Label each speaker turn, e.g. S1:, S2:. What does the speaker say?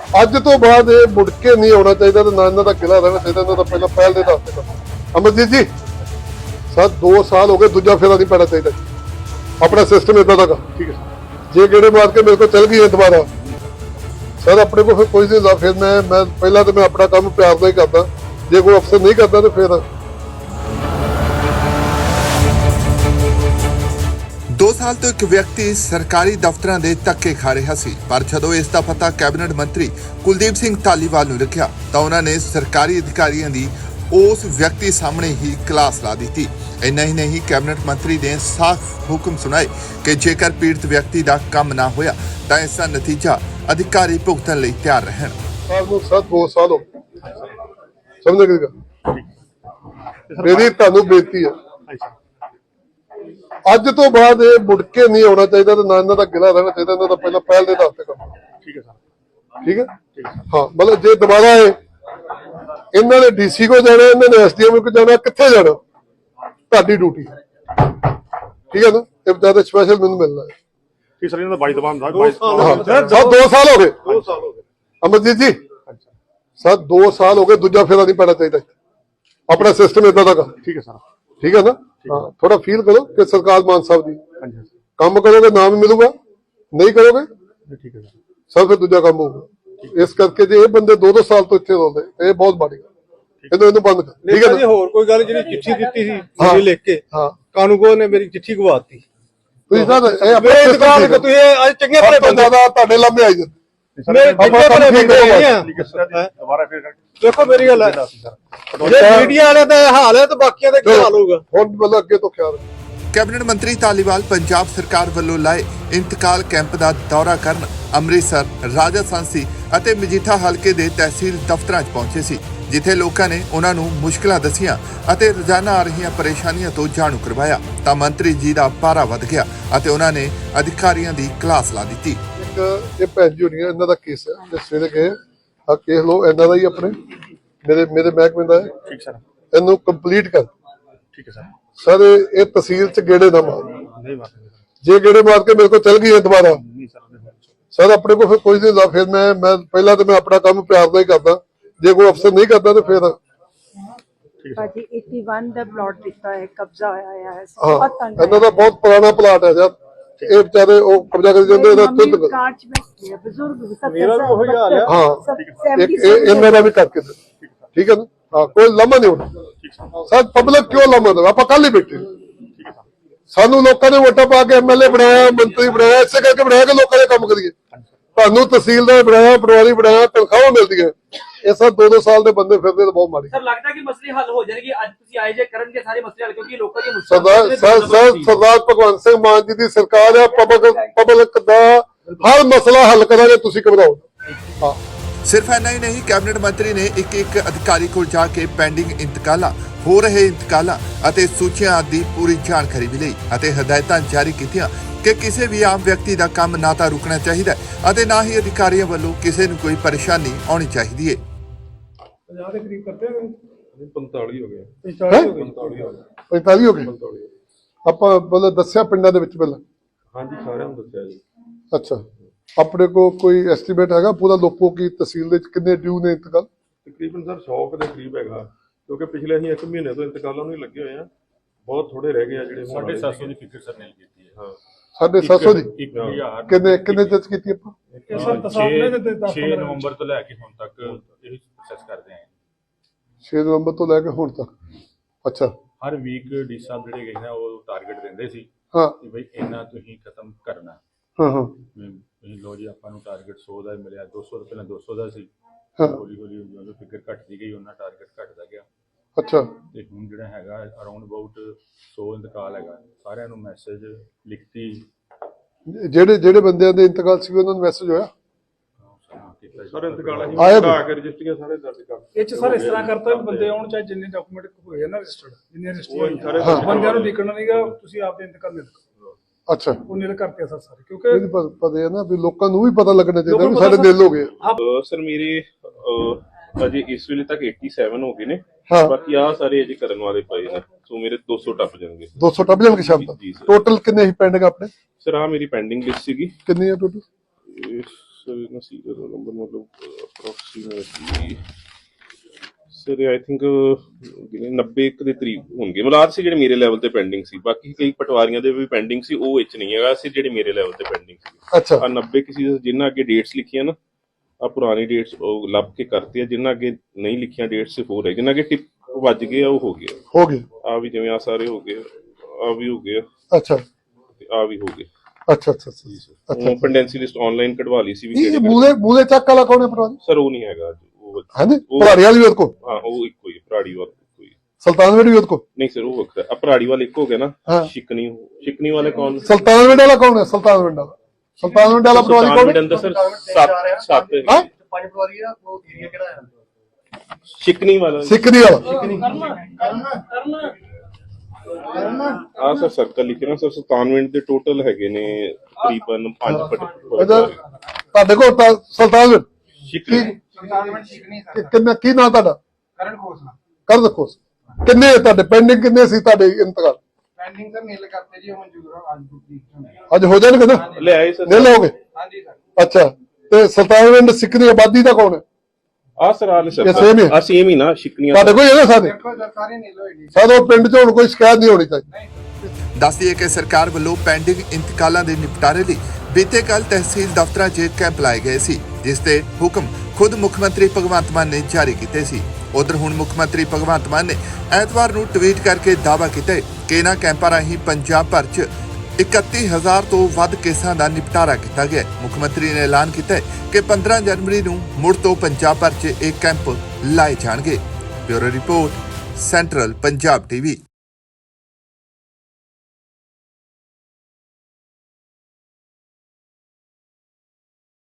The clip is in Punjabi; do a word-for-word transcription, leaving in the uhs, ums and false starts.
S1: ਅੱਜ ਤੋਂ ਬਾਅਦ ਇਹ ਮੁੜ ਕੇ ਨਹੀਂ ਆਉਣਾ ਚਾਹੀਦਾ ਤੇ ਨਾ ਇਹਨਾਂ ਦਾ ਕਿਲਾ ਰਹਿਣਾ ਚਾਹੀਦਾ। ਇਹਨਾਂ ਦਾ ਪਹਿਲਾਂ ਪਹਿਲ ਦੇ ਦਾਅਵੇ ਕਰੋ। ਅਮਰਜੀਤ ਜੀ ਸਰ ਦੋ ਸਾਲ ਹੋ ਗਏ, ਦੂਜਾ ਫੇਰਾ ਨਹੀਂ ਪੈਣਾ ਚਾਹੀਦਾ। ਆਪਣਾ ਸਿਸਟਮ ਇਦਾਂ ਦਾ ਠੀਕ ਹੈ। ਜੇ ਗੇੜੇ ਮਾਰ ਕੇ ਮੇਰੇ ਕੋਲ ਚੱਲ ਗਈ ਦੁਬਾਰਾ ਸਰ ਆਪਣੇ ਕੋਲ ਫਿਰ ਕੋਈ ਨਹੀਂ ਹੁੰਦਾ। ਫਿਰ ਮੈਂ ਮੈਂ ਪਹਿਲਾਂ ਤਾਂ ਮੈਂ ਆਪਣਾ ਕੰਮ ਪਿਆਰ ਨਾਲ ਹੀ ਕਰਦਾ। ਜੇ ਕੋਈ ਅਫਸਰ ਨਹੀਂ ਕਰਦਾ ਤਾਂ ਫਿਰ
S2: दो साल तो एक व्यक्ति सरकारी दफ्तरां दे धक्के खा रहा सी, पर जदों इस दा पता कैबिनेट मंत्री कुलदीप सिंह धालीवाल नूं रखिया तां उन्हां ने सरकारी अधिकारियों की उस व्यक्ति सामने ही क्लास ला दी। इन्ना ही नहीं, कैबिनेट मंत्री ने साफ हुक्म सुनाए कि जेकर पीड़ित व्यक्ति का काम ना होया तां इसका नतीजा अधिकारी भुगतण लई तैयार रहण।
S1: दो साल हो समझ गए। मेरी तुहानूं बेनती है ਅੱਜ ਤੋਂ ਬਾਅਦ ਇਹ ਮੁੜ ਕੇ ਨਹੀਂ ਆਉਣਾ ਚਾਹੀਦਾ ਤੇ ਨਾ ਇਹਨਾਂ ਦਾ ਗਿਲਾ ਰਹਿਣਾ ਚਾਹੀਦਾ। ਇਹਨਾਂ ਦਾ ਪਹਿਲਾਂ ਪਹਿਲ ਦੇ ਦਾਅਵੇ ਕਰੋ। ਠੀਕ ਹੈ ਸਰ ਠੀਕ ਹੈ ਹਾਂ। ਮਤਲਬ ਜੇ ਦੁਬਾਰਾ ਆਏ ਇਹਨਾਂ ਨੇ ਡੀਸੀ ਕੋ ਜਾਣਾ, ਇਹਨਾਂ ਨੇ ਐਸਡੀਐਮ ਕੋ ਜਾਣਾ, ਕਿੱਥੇ ਜਾਣਾ ਤੁਹਾਡੀ ਡਿਊਟੀ ਠੀਕ ਹੈ ਨਾ। ਇਹ ਬਤਾ ਸਪੈਸ਼ਲ ਮੈਨੂੰ ਮਿਲਣਾ ਹੈ
S3: ਠੀਕ ਸਰ। ਇਹਨਾਂ ਦਾ ਬਾਈ ਦਬਾਨ ਦਾ
S1: ਦੋ ਸਾਲ ਹੋ ਗਏ। ਦੋ ਸਾਲ ਹੋ ਗਏ ਅਮਰਜੀਤ ਜੀ ਸਰ ਦੋ ਸਾਲ ਹੋ ਗਏ, ਦੂਜਾ ਫੇਰਾ ਨਹੀਂ ਪੈਣਾ ਚਾਹੀਦਾ। ਆਪਣਾ ਸਿਸਟਮ ਇਦਾਂ ਦਾ
S3: ਠੀਕ ਹੈ ਸਰ
S1: ਠੀਕ ਹੈ ਨਾ। हाँ थोड़ा फील करो कि सरकार मान साहब जी काम करोगे नाम मिलूगा, नहीं करोगे
S3: ठीक है
S1: सर फिर दूजा काम होगा। इस करके जे ये बंदे दो दो साल तो इतने रोंदे ये बहुत माड़ी गल। ਇਹਨੂੰ ਇਹਨੂੰ ਬੰਦ ਕਰ ਠੀਕ ਹੈ ਨਾ।
S4: ਹੋਰ ਕੋਈ ਗੱਲ ਜਿਹੜੀ ਚਿੱਠੀ ਦਿੱਤੀ ਸੀ ਮੇਰੀ ਲਿਖ ਕੇ
S1: ਹਾਂ
S4: ਕਾਨੂੰਗੋ ਨੇ ਮੇਰੀ ਚਿੱਠੀ ਗਵਾਤੀ।
S1: ਤੁਸੀਂ ਸਰ ਇਹ ਆਪਣੇ
S4: ਇੰਤਕਾਲ ਕਰ ਤੁਸੀਂ ਅੱਜ ਚੰਗੇ ਭਲੇ ਬੰਦੇ
S1: ਦਾ ਤੁਹਾਡੇ ਲੰਮੇ ਆਈ ਜਾਂਦੇ
S4: ਮੇਰੇ ਚੰਗੇ ਭਲੇ ਬੰਦੇ ਆ।
S3: ਦੁਬਾਰਾ ਫਿਰ
S4: ਦੇਖੋ ਮੇਰੀ ਗੱਲ ਹੈ ਜੇ ਮੀਡੀਆ ਵਾਲੇ ਦਾ ਹਾਲ ਹੈ ਤਾਂ ਬਾਕੀਆਂ ਦਾ ਕੀ ਹਾਲ ਹੋਊਗਾ।
S1: ਹੁਣ ਮਤਲਬ ਅੱਗੇ ਤੋਂ ਖਿਆਲ
S2: कैबिनेट मंत्री धालीवाल पंजाब सरकार ਵੱਲੋਂ ਲਾਏ इंतकाल कैंप ਦਾ ਦੌਰਾ ਕਰਨ ਅੰਮ੍ਰਿਤਸਰ, ਰਾਜਾ ਸਾਂਸੀ ਅਤੇ ਮਜੀਠਾ ਹਲਕੇ ਦੇ ਤਹਿਸੀਲ ਦਫ਼ਤਰਾਂ 'ਚ ਪਹੁੰਚੇ ਸੀ, ਜਿੱਥੇ ਲੋਕਾਂ ਨੇ ਉਹਨਾਂ ਨੂੰ ਮੁਸ਼ਕਲਾਂ ਦੱਸੀਆਂ ਅਤੇ ਰੋਜ਼ਾਨਾ ਆ ਰਹੀਆਂ ਪਰੇਸ਼ਾਨੀਆਂ ਤੋਂ ਜਾਣੂ ਕਰਵਾਇਆ ਤਾਂ ਮੰਤਰੀ ਜੀ ਦਾ ਪਾਰਾ ਵੱਧ ਗਿਆ ਅਤੇ ਉਹਨਾਂ ਨੇ ਅਧਿਕਾਰੀਆਂ ਦੀ ਕਲਾਸ ਲਾ ਦਿੱਤੀ।
S1: ਇਹ ਭੈਣ ਜੀ ਹੋਣੀ ਇਹਨਾਂ ਦਾ ਕੇਸ ਹੈ ਤੇ ਸਵੇਰੇ ਗਏ ਆ ਕੇਸ ਲੋ ਇਹਨਾਂ ਦਾ ਹੀ ਆਪਣੇ ਮੇਰੇ ਮੇਰੇ ਮਹਿਕਮੇ ਦਾ ਹੈ
S3: ਠੀਕ ਸਰ।
S1: ਇਹਨੂੰ ਕੰਪਲੀਟ ਕਰ
S3: ਠੀਕ ਹੈ ਸਰ।
S1: ਸਰ ਇਹ ਤਹਿਸੀਲ ਚ ਗੇੜੇ ਨਾ ਮਾਰ।
S3: ਨਹੀਂ ਮਾਰਦੇ
S1: ਜੇ ਗੇੜੇ ਮਾਰ ਕੇ ਮੇਰੇ ਕੋਲ ਚੱਲ ਗਈ ਦੁਬਾਰਾ
S3: ਨਹੀਂ ਸਰ।
S1: ਸਰ ਆਪਣੇ ਕੋਲ ਫਿਰ ਕੋਈ ਨਹੀਂ ਹੁੰਦਾ। ਫਿਰ ਮੈਂ ਮੈਂ ਪਹਿਲਾਂ ਤਾਂ ਮੈਂ ਆਪਣਾ ਕੰਮ ਪਿਆਰ ਨਾਲ ਹੀ ਕਰਦਾ। ਜੇ ਕੋਈ ਅਫਸਰ ਨਹੀਂ ਕਰਦਾ ਤਾਂ ਫਿਰ
S5: ਭਾਜੀ ਇਕਤਾਲੀ ਦਾ ਪਲਾਟ ਦਿੱਤਾ ਹੈ, ਕਬਜ਼ਾ ਹੋਇਆ ਹੈ।
S1: ਹਾਂ ਇਹਨਾਂ ਦਾ ਬਹੁਤ ਪੁਰਾਣਾ ਪਲਾਟ ਹੈ ਯਾਰ। ਇਹ ਵਿਚਾਰੇ ਉਹ ਕਬਜ਼ਾ ਕਰੀ ਜਾਂਦੇ ਇਹਦਾ ਤੁੱਤ
S5: ਕਾਰ ਚ ਬੈਠੇ ਬਜ਼ੁਰਗ
S4: ਮੇਰਾ ਵੀ ਉਹੀ ਹਾਲ ਹੈ।
S1: ਹਾਂ ਇੱਕ ਇਹਨਾਂ ਦਾ ਵੀ ਕਰਕੇ ਦੇ ਠੀਕ ਹੈ ਨਾ। ਹਾਂ ਕੋਈ ਲੰਮਾ ਨਹੀਂ ਹੋਣਾ ਸਰ। ਪਬਲਿਕ ਕਿਉਂ ਲੰਮਾ ਦੇਵੇ? ਆਪਾਂ ਕੱਲ ਹੀ ਬੈਠੇ ਸਾਨੂੰ ਲੋਕਾਂ ਨੇ ਵੋਟਾਂ ਪਾ ਕੇ ਐਮਐਲਏ ਬਣਾਇਆ, ਮੰਤਰੀ ਬਣਾਇਆ, ਇਸੇ ਕਰਕੇ ਬਣਾਇਆ ਕਿ ਲੋਕਾਂ ਦੇ ਕੰਮ ਕਰੀਏ। ਤੁਹਾਨੂੰ ਤਹਿਸੀਲਦਾਰ ਬਣਾਇਆ, ਪਟਵਾਰੀ ਬਣਾਇਆ, ਤਨਖਾਹਾਂ ਮਿਲਦੀਆਂ। ਇਹ ਸਭ ਦੋ ਦੋ ਸਾਲ ਦੇ ਬੰਦੇ ਫਿਰਦੇ ਤਾਂ ਬਹੁਤ ਮਾੜੀ।
S6: ਸਰ ਲੱਗਦਾ ਕਿ ਮਸਲੇ ਹੱਲ ਹੋ ਜਾਣਗੇ ਅੱਜ ਤੁਸੀਂ ਆਏ ਜੇ ਕਰਨਗੇ ਸਾਰੇ ਮਸਲੇ ਹੱਲ, ਕਿਉਂਕਿ ਲੋਕਾਂ ਦੀ
S1: ਸਰਦਾਰ ਸਰਦਾਰ ਭਗਵੰਤ ਸਿੰਘ ਮਾਨ ਜੀ ਦੀ ਸਰਕਾਰ ਹੈ। ਪਬਲਿਕ ਪਬਲਿਕ ਦਾ ਹਰ ਮਸਲਾ ਹੱਲ ਕਰਾਂਗੇ, ਤੁਸੀਂ ਘਬਰਾਓ ਨਾ। ਹਾਂ
S2: सिर्फ इन्ना ही नहीं, कैबिनेट मंत्री ने एक एक अधिकारी को जाके पेंडिंग इंतकालां, हो रहे इंतकालां ਅਤੇ ਸੂਚੀਆਂ ਆਦਿ ਪੂਰੀ ਜਾਣਕਾਰੀ ਵੀ ਲਈ ਅਤੇ ਹਦਾਇਤਾਂ ਜਾਰੀ ਕੀਤੀਆਂ ਕਿ ਕਿਸੇ ਵੀ ਆਮ ਵਿਅਕਤੀ ਦਾ ਕੰਮ ਨਾ ਤਾਂ ਰੁਕਣਾ ਚਾਹੀਦਾ ਅਤੇ ਨਾ ਹੀ ਅਧਿਕਾਰੀਆਂ ਵੱਲੋਂ ਕਿਸੇ ਨੂੰ ਕੋਈ ਪਰੇਸ਼ਾਨੀ ਆਉਣੀ ਚਾਹੀਦੀ ਹੈ।
S4: ਪੰਜਾਹ ਦੇ ਕਰੀਬ ਕਰਦੇ ਨੇ
S3: ਪੰਤਾਲੀ ਹੋ ਗਿਆ।
S4: ਪੰਤਾਲੀ ਹੋ ਗਏ
S1: ਪੈਂਤਾਲੀ ਹੋ ਗਏ। ਆਪਾਂ ਮਤਲਬ ਦੱਸਿਆ ਪਿੰਡਾਂ ਦੇ ਵਿੱਚ ਪਹਿਲਾਂ?
S3: ਹਾਂਜੀ ਸਾਰਿਆਂ ਨੂੰ ਦੱਸਿਆ ਜੀ।
S1: ਅੱਛਾ ਆਪਣੇ ਕੋ ਕੋਈ ਐਸਟੀਮੇਟ ਹੈਗਾ ਪੂਰਾ ਲੋਕੋ ਕੀ ਤਹਿਸੀਲ ਦੇ ਵਿੱਚ ਕਿੰਨੇ ਡਿਊ ਨੇ ਇੰਤਕਾਲ?
S3: ਤਕਰੀਬਨ ਸਰ ਸੌ ਦੇ ਕਰੀਬ ਹੈਗਾ, ਕਿਉਂਕਿ ਪਿਛਲੇ ਅਸੀਂ ਇੱਕ ਮਹੀਨੇ ਤੋਂ ਇੰਤਕਾਲਾਂ ਨੂੰ ਹੀ ਲੱਗੇ ਹੋਏ ਆ। ਬਹੁਤ ਥੋੜੇ ਰਹਿ ਗਏ ਆ ਜਿਹੜੇ।
S7: ਸਾਢੇ ਸੱਤ ਸੌ ਦੀ ਫਿਕਰ ਸਰ ਨੇ ਕੀਤੀ ਹੈ।
S3: ਹਾਂ
S1: ਸਾਢੇ ਸੱਤ ਸੌ ਦੀ
S7: ਇੱਕ ਹਜ਼ਾਰ
S1: ਕਿੰਨੇ ਕਿੰਨੇ ਜੱਜ ਕੀਤੀ ਆਪਾਂ?
S7: ਛੇ ਨਵੰਬਰ ਤੋਂ ਲੈ ਕੇ ਹੁਣ ਤੱਕ ਇਹ ਪ੍ਰੋਸੈਸ ਕਰਦੇ ਆਂ।
S1: ਛੇ ਨਵੰਬਰ ਤੋਂ ਲੈ ਕੇ ਹੁਣ ਤੱਕ। ਅੱਛਾ
S7: ਹਰ ਵੀਕ ਡੀ ਸਾਹਿਬ ਜਿਹੜੇ ਗਏ ਨਾ ਉਹ ਟਾਰਗੇਟ ਦਿੰਦੇ ਸੀ
S1: ਹਾਂ
S7: ਕਿ ਬਈ ਇੰਨਾ ਤੁਸੀਂ ਖਤਮ ਕਰਨਾ।
S1: ਹਾਂ ਹਾਂ
S7: ਤੁਸੀਂ ਲੋ ਜੀ ਆਪਾਂ ਨੂੰ ਟਾਰਗੇਟ ਸੌ ਦਾ ਮਿਲਿਆ, ਦੋ ਸੌ ਤੋਂ ਪਹਿਲਾਂ ਦੋ ਸੌ ਦਾ ਸੀ।
S1: ਹਾਂ
S7: ਹੌਲੀ ਹੌਲੀ ਜਦੋਂ ਫਿਕਰ ਘਟਦੀ ਗਈ ਉਹਨਾਂ ਟਾਰਗੇਟ ਘਟਦਾ ਗਿਆ
S1: ਅੱਛਾ
S7: ਤੇ ਹੁਣ ਜਿਹੜਾ ਹੈਗਾ ਅਰਾਊਂਡ ਅਬਾਊਟ ਸੌ ਇੰਤਕਾਲ ਹੈਗਾ। ਸਾਰਿਆਂ ਨੂੰ ਮੈਸੇਜ ਲਿਖਤੀ
S1: ਜਿਹੜੇ ਜਿਹੜੇ ਬੰਦਿਆਂ ਦੇ ਇੰਤਕਾਲ ਸੀ ਉਹਨਾਂ ਨੂੰ ਮੈਸੇਜ ਹੋਇਆ?
S3: ਸਰ ਇੰਤਕਾਲ ਅਸੀਂ
S1: ਆਇਆ
S3: ਕਢਾ ਕੇ ਰਜਿਸਟਰੀਆਂ ਸਾਰੇ ਦਰਜ ਕਰ।
S4: ਇਹ ਚ ਸਰ ਇਸ ਤਰ੍ਹਾਂ ਕਰਤਾ ਵੀ ਬੰਦੇ ਆਉਣ ਚਾਹੇ ਜਿੰਨੇ ਡਾਕੂਮੈਂਟ ਹੋਏ ਨਾ ਰਜਿਸਟਰਡ ਜਿੰਨੇ ਰਜਿਸਟਰ ਬੰਦਿਆਂ ਨੂੰ ਦੇਖਣਾ ਨਹੀਂਗਾ। ਤੁਸੀਂ ਆਪਦੇ ਇੰਤਕਾਲ ਨਿਲ
S1: ਅੱਛਾ
S4: ਉਹ ਨਿਲ ਕਰਤੇ ਸਰ ਸਾਰੇ, ਕਿਉਂਕਿ
S1: ਇਹਦੀ ਪਤਾ ਹੈ ਨਾ ਵੀ ਲੋਕਾਂ ਨੂੰ ਵੀ ਪਤਾ ਲੱਗਣਾ ਚਾਹੀਦਾ ਵੀ ਸਾਡੇ ਦਿਲ ਹੋ ਗਏ।
S8: ਸਰ ਮੇਰੇ ਅਜੇ ਇਸ ਵੇਲੇ ਤੱਕ ਸੱਤਾਸੀ ਹੋ ਗਏ ਨੇ।
S1: ਹਾਂ
S8: ਬਾਕੀ ਆ ਸਾਰੇ ਅਜੇ ਕਰਨ ਵਾਲੇ ਪਏ ਨੇ, ਸੋ ਮੇਰੇ ਦੋ ਸੌ ਟੱਪ ਜਾਣਗੇ।
S1: ਦੋ ਸੌ ਟੱਪ ਜਾਣਗੇ ਸ਼ਾਮ ਤੱਕ। ਟੋਟਲ ਕਿੰਨੇ ਹੀ ਪੈਂਡਿੰਗ ਆਪਣੇ?
S8: ਸਰ ਆ ਮੇਰੀ ਪੈਂਡਿੰਗ ਲਿਸਟ ਸੀਗੀ।
S1: ਕਿੰਨੀ ਹੈ ਟੋਟਲ?
S8: ਸਰ ਇਹਨਾਂ ਸੀਰੀਅਲ ਨੰਬਰ ਮਤਲਬ ਅਪਰੋਕਸੀਮੇਟਲੀ ਸਰ ਆਈ ਥਿੰਕ ਨੱਬੇ ਇੱਕ ਦੇ ਕਰੀਬ ਹੋਣਗੇ ਮਲਾਦ ਸੀ ਜਿਹੜੇ ਮੇਰੇ ਲੈਵਲ ਤੇ ਪੈਂਡਿੰਗ ਸੀ। ਬਾਕੀ ਕਈ ਪਟਵਾਰੀਆਂ ਦੇ ਵੀ ਪੈਂਡਿੰਗ ਸੀ, ਉਹ ਵਿੱਚ ਨਹੀਂ ਹੈਗਾ ਸੀ ਜਿਹੜੇ ਮੇਰੇ ਲੈਵਲ ਤੇ ਪੈਂਡਿੰਗ ਸੀ।
S1: ਅੱਛਾ
S8: ਆ ਨੱਬੇ ਕਿਸੇ ਜਿੰਨਾ ਅੱਗੇ ਡੇਟਸ ਲਿਖੀਆਂ ਨਾ ਆ ਪੁਰਾਣੀ ਡੇਟਸ ਉਹ ਲੱਭ ਕੇ ਕਰਤੇ ਆ, ਜਿੰਨਾ ਅੱਗੇ ਨਹੀਂ ਲਿਖੀਆਂ ਡੇਟਸ ਸਿਰਫ ਹੋ ਰਹੇ, ਜਿੰਨਾ ਅੱਗੇ ਟਿਪ ਵੱਜ ਗਏ ਆ ਉਹ ਹੋ ਗਿਆ।
S1: ਹੋ ਗਏ
S8: ਆ ਵੀ ਜਿਵੇਂ ਆ ਸਾਰੇ ਹੋ ਗਏ, ਆ ਵੀ ਹੋ ਗਏ,
S1: ਅੱਛਾ
S8: ਤੇ ਆ ਵੀ ਹੋ ਗਏ।
S1: ਅੱਛਾ ਅੱਛਾ ਅੱਛਾ
S8: ਉਹ ਪੈਂਡੈਂਸੀ ਲਿਸਟ ਆਨਲਾਈਨ ਕਢਵਾ ਲਈ ਸੀ ਵੀ
S1: ਇਹ ਮੂਲੇ ਮੂਲੇ ਚੱਕ ਵਾਲਾ ਕੌਣ ਹੈ ਪਟਵਾਰੀ?
S8: ਸਰ ਉਹ ਨਹੀਂ ਹੈਗਾ ਉਹ
S1: ਹਾਂਜੀ
S8: ਉਹ-
S1: ਭਰਾੜੀ ਵਾਲੀ ਵੀ ਉਹਦੇ ਕੋਲ,
S8: ਹਾਂ ਉਹ ਇੱਕੋ ਹੀ ਹੈ, ਭਰਾੜੀ ਵਾਲਾ ਇੱਕੋ ਹੀ ਹੈ।
S1: ਸੁਲਤਾਨਵਿੰਡ ਵੀ ਉਹਦੇ ਕੋਲ?
S8: ਨਹੀਂ ਸਰ ਉਹ ਵੱਖਰਾ ਆ, ਭਰਾੜੀ ਵਾਲਾ ਇੱਕ ਹੋ ਗਿਆ ਨਾ।
S1: ਹਾਂ।
S8: ਸ਼ਿਕਨੀ ਸ਼ਿਕਨੀ ਵਾਲੇ ਕੌਣ?
S1: ਸੁਲਤਾਨਵਿੰਡ ਵਾਲਾ ਕੌਣ ਹੈ? ਸੁਲਤਾਨਵਿੰਡ ਵਾਲਾ ਸੁਲਤਾਨਵਿੰਡ ਵਾਲਾ ਪਟਵਾਰੀ ਕੌਣ
S8: ਸੁਲਤਾਨਵਿੰਡ
S1: ਹੈ?
S8: ਅੰਦਰ ਸਰ ਸੱਤ ਸੱਤ
S1: ਹਾਂ
S6: ਪੰਜ ਪਟਵਾਰੀ ਆ ਉਹ ਏਰੀਆ ਕਿਹੜਾ ਆ?
S8: ਸ਼ਿਕਨੀ ਵਾਲਾ
S1: ਸਿੱਖਦੀ ਵਾਲਾ
S8: ਆ ਸਰ ਸਰਕਲ ਲਿਖੇ ਨਾ ਸਰ ਸੁਲਤਾਨਵਿੰਡ ਦੇ ਟੋਟਲ ਹੈਗੇ ਨੇ ਤਕਰੀਬਨ ਪੰਜ
S1: ਇਹਦਾ
S8: ਪਟ
S1: ਤੁਹਾਡੇ ਕੋਲ ਤਾਂ ਸੁਲਤਾਨਵਿੰਡ
S8: ਸ਼ਿਕਨੀ
S1: ਕਿ- ਕਿੰਨਾ ਕੀ ਨਾਂ ਤੁਹਾਡਾ?
S4: ਕਰਨ ਖੋਸਲਾ
S1: ਕਰ ਦੇਖੋ ਕਿੰਨੇ ਤੁਹਾਡੇ ਪੈਂਡਿੰਗ ਕਿੰਨੇ ਸੀ ਤੁਹਾਡੇ ਇੰਤਕਾਲ?
S4: ਪੈਂਡਿੰਗ ਸਰ ਮੇਲ ਕਰਤੇ ਜੀ ਉਹ ਮਨਜ਼ੂਰ ਆ ਅੱਜ ਦੀ
S1: ਅੱਜ ਹੋ ਜਾਣਗੇ ਨਾ?
S8: ਲੈ ਆਏ ਸਰ
S1: ਨਹੀਂ ਲਓਗੇ?
S4: ਹਾਂਜੀ ਸਰ।
S1: ਅੱਛਾ ਤੇ ਸੁਲਤਾਨਵਿੰਡ ਸਿੱਖ ਦੀ ਆਬਾਦੀ ਦਾ ਕੌਣ ਹੈ?
S8: ਆ ਸਰ ਆ ਲੈ ਸਰ
S1: ਇਹ same ਹੀ ਹੈ?
S8: ਆ ਸੇਮ ਹੀ ਨਾ ਸ਼ਿਕਨੀਆਂ
S1: ਤੁਹਾਡੇ ਕੋਲ ਹੈਗਾ ਸਾਰੇ?
S4: ਦੇਖੋ ਸਰ ਸਾਰੇ ਨੀਲ ਹੋਏ ਨੇ।
S1: ਸਾਡੇ ਪਿੰਡ 'ਚ ਹੁਣ ਕੋਈ ਸ਼ਿਕਾਇਤ ਨਹੀਂ ਹੋਣੀ ਚਾਹੀਦੀ।
S2: ਦੱਸ ਦਈਏ ਕਿ ਸਰਕਾਰ ਵੱਲੋਂ ਪੈਂਡਿੰਗ ਇੰਤਕਾਲਾਂ ਦੇ ਨਿਪਟਾਰੇ ਲਈ ਬੀਤੇ ਕੱਲ ਤਹਿਸੀਲ ਦਫ਼ਤਰਾਂ 'ਚ ਕੈਂਪ ਲਾਏ ਗਏ ਸੀ, ਜਿਸ ਤੇ ਹੁਕਮ ਖੁਦ ਮੁੱਖ ਮੰਤਰੀ ਭਗਵੰਤ ਮਾਨ ਨੇ ਜਾਰੀ ਕੀਤੇ ਸੀ। ਉਧਰ ਹੁਣ ਮੁੱਖ ਮੰਤਰੀ ਭਗਵੰਤ ਮਾਨ ਨੇ ਐਤਵਾਰ ਨੂੰ ਟਵੀਟ ਕਰਕੇ ਦਾਅਵਾ ਕੀਤਾ ਹੈ ਕਿ ਇਹਨਾਂ ਕੈਂਪਾਂ ਰਾਹੀਂ ਪੰਜਾਬ ਭਰ 'ਚ ਇਕੱਤੀ ਹਜ਼ਾਰ ਤੋਂ ਵੱਧ ਕੇਸਾਂ ਦਾ ਨਿਪਟਾਰਾ ਕੀਤਾ ਗਿਆ ਹੈ। ਮੁੱਖ ਮੰਤਰੀ ਨੇ ਐਲਾਨ ਕੀਤਾ ਹੈ ਕਿ ਪੰਦਰਾਂ ਜਨਵਰੀ ਨੂੰ ਮੁੜ ਤੋਂ ਪੰਜਾਬ ਭਰ 'ਚ ਇਹ ਕੈਂਪ ਲਾਏ ਜਾਣਗੇ। Bureau report, central Punjab TV.